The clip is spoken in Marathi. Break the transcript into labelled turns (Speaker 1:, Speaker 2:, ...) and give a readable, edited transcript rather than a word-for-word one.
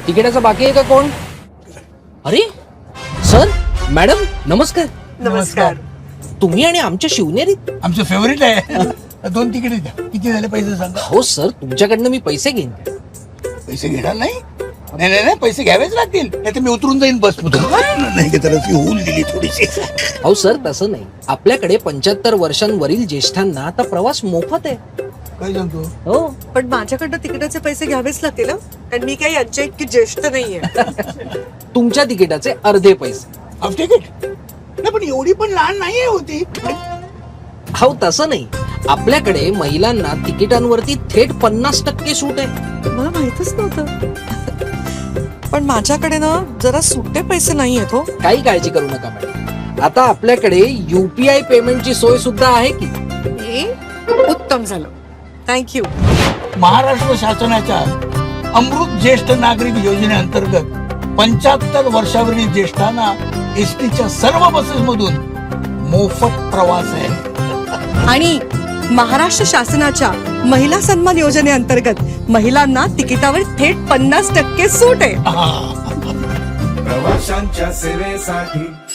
Speaker 1: तिकिटाचं बाकी आहे का कोण? अरे सर, मॅडम, नमस्कार.
Speaker 2: नमस्कार.
Speaker 1: तुम्ही आणि आमच्या शिवनेरीत?
Speaker 3: आमचं फेवरेट आहे. 2 तिकीट द्या. किती झाले पैसे सांगा.
Speaker 1: हो सर, तुमच्याकडनं मी पैसे घेईन.
Speaker 3: पैसे घेणार नाही? नाही नाही नाही, पैसे घ्यावेच लागतील. नाही तर मी उतरून जाईन बस नाही की तर होऊन दिली थोडीशी.
Speaker 1: हो सर, तसं नाही. आपल्याकडे 75 वर्षांवरील ज्येष्ठांना आता प्रवास मोफत आहे.
Speaker 3: काय सांगतो?
Speaker 1: हो.
Speaker 2: पण माझ्याकडनं तिकिटाचे पैसे घ्यावेच लागतील हं? कारण मी काही यांच्या इतकी ज्येष्ठ नाहीये.
Speaker 1: तुमच्या तिकिटाचे अर्धे पैसे.
Speaker 3: Half ticket? नाही पण एवढी पण लहान नाहीये होती.
Speaker 1: हो तसं नाही. आपल्याकडे महिलांना तिकिटांवरती थेट 50% सूट आहे.
Speaker 2: मला माहितच नव्हतं. पण माझ्याकडे ना जरा सुट्टे पैसे नाही आहेत हो.
Speaker 1: काही काळजी करू नका मॅडम. आता आपल्याकडे UPI पेमेंटची सोय सुद्धा आहे की.
Speaker 2: उत्तम झालं. थँक्यू.
Speaker 3: महाराष्ट्र शासनाच्या अमृत ज्येष्ठ नागरिक योजनेअंतर्गत 75 वर्षावरील ज्येष्ठांना एसटीच्या सर्व बसेस मधून मोफत प्रवास आहे.
Speaker 2: आणि महाराष्ट्र शासनाच्या महिला सन्मान योजनेअंतर्गत महिलांना तिकिटावर थेट 50% सूट आहे.
Speaker 4: प्रवाशांच्या सेवेसाठी